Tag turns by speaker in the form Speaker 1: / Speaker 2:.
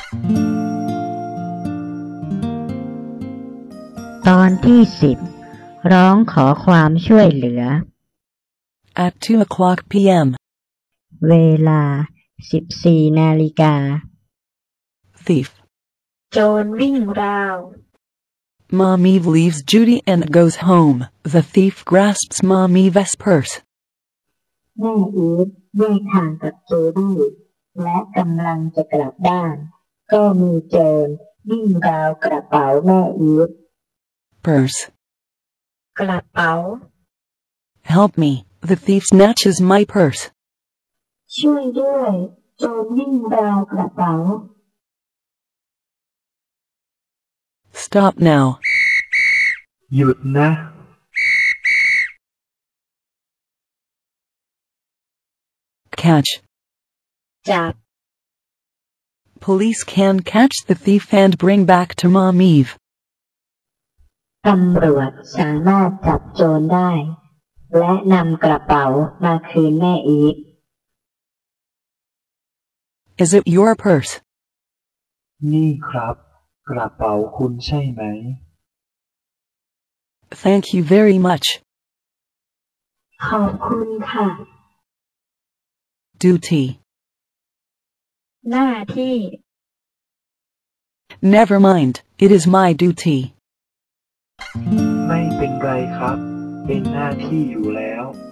Speaker 1: ตอนที่10ร้องขอความช่วยเหลือ
Speaker 2: At 2 p.m.
Speaker 1: เวลา 14 นาฬิกา
Speaker 2: Thief.
Speaker 1: โจรวิ่งราว
Speaker 2: Mom Eve leaves Judy and goes home. The thief grasps Mom Eve's purse.
Speaker 1: แม่อีฟแยกทางกับจูดี้และกำลังจะกลับบ้านก็มีโจรวิ่งราวกระเป๋าแม่อีฟ
Speaker 2: Purse.
Speaker 1: กระเป๋า
Speaker 2: Help me. The thief snatches my purse.
Speaker 1: ช่วยด้วยโจรวิ่งราวกระเป๋า
Speaker 2: Stop now.
Speaker 3: หยุดนะ
Speaker 2: Catch.
Speaker 1: จับ
Speaker 2: Police can catch the thief and bring back to Mom Eve.
Speaker 1: ตำรวจสามารถจับโจรได้และนำกระเป๋ามาคืนแม่อีฟ
Speaker 2: Is it your purse?
Speaker 3: นี่ครับกระเป๋าคุณใช่ไหม
Speaker 2: Thank you very much.
Speaker 1: ขอบคุณค่ะ
Speaker 2: Duty.
Speaker 1: หน้าที่
Speaker 2: Never mind. It is my duty.
Speaker 3: ไม่เป็นไรครับ เป็นหน้าที่อยู่แล้ว